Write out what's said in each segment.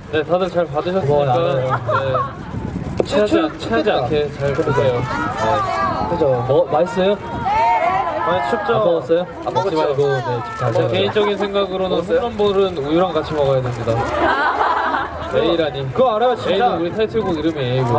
네, 다들 잘 받으셨으니까 네, 체하지 않게 잘 드세요. 네. 그죠? 맛있어요? 많이 춥죠? 안 먹었어요? 안 먹지 말고 네, 개인적인 생각으로는 홈런볼은 우유랑 같이 먹어야 됩니다. A라니. 그거 알아요, 진짜? A는 우리 타이틀곡 이름이 A고.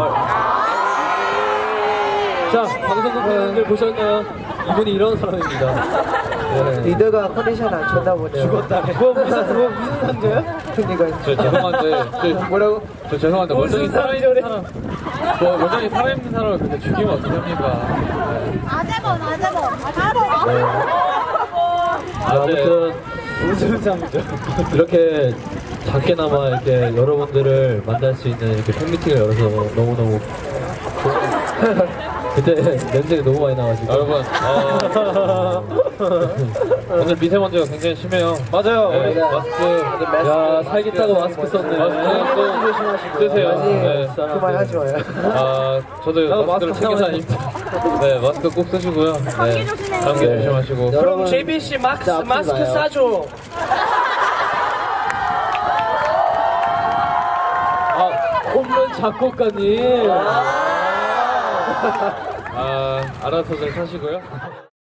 자, 방송국 분들 보셨나요? 이분이 이런 사람입니다. 네. 리더가 컨디션 안 좋나 보네요. 죽었다. 그거 무슨 상자야? 그러니까 저 죄송한데, 뭐라고? 저 죄송한데 멀쩡히 살아있는 사람, 멀쩡히 살아있는 사람을 그렇게 죽이면 어떡합니까? 아재범. 아무튼 무슨 상자? 이렇게 작게나마 이렇게 여러분들을 만날 수 있는 이렇게 팬미팅을 열어서 너무너무 그때 냄새가 너무 많이 나가지고 여러분, 오늘 미세먼지가 굉장히 심해요. 맞아요. 네, 마스크, 야 살겠다고 마스크 썼네. 마스크 꼭 쓰세요. 네. 그만하지 마요. 아, 저도 마스크를 마스크 챙겨 다닙니다. 네, 마스크 꼭 쓰시고요. 네, 감기 조심하시고. 그럼 JBC 마스크 싸줘. 홈런 작곡가님. 알아서 잘 사시고요.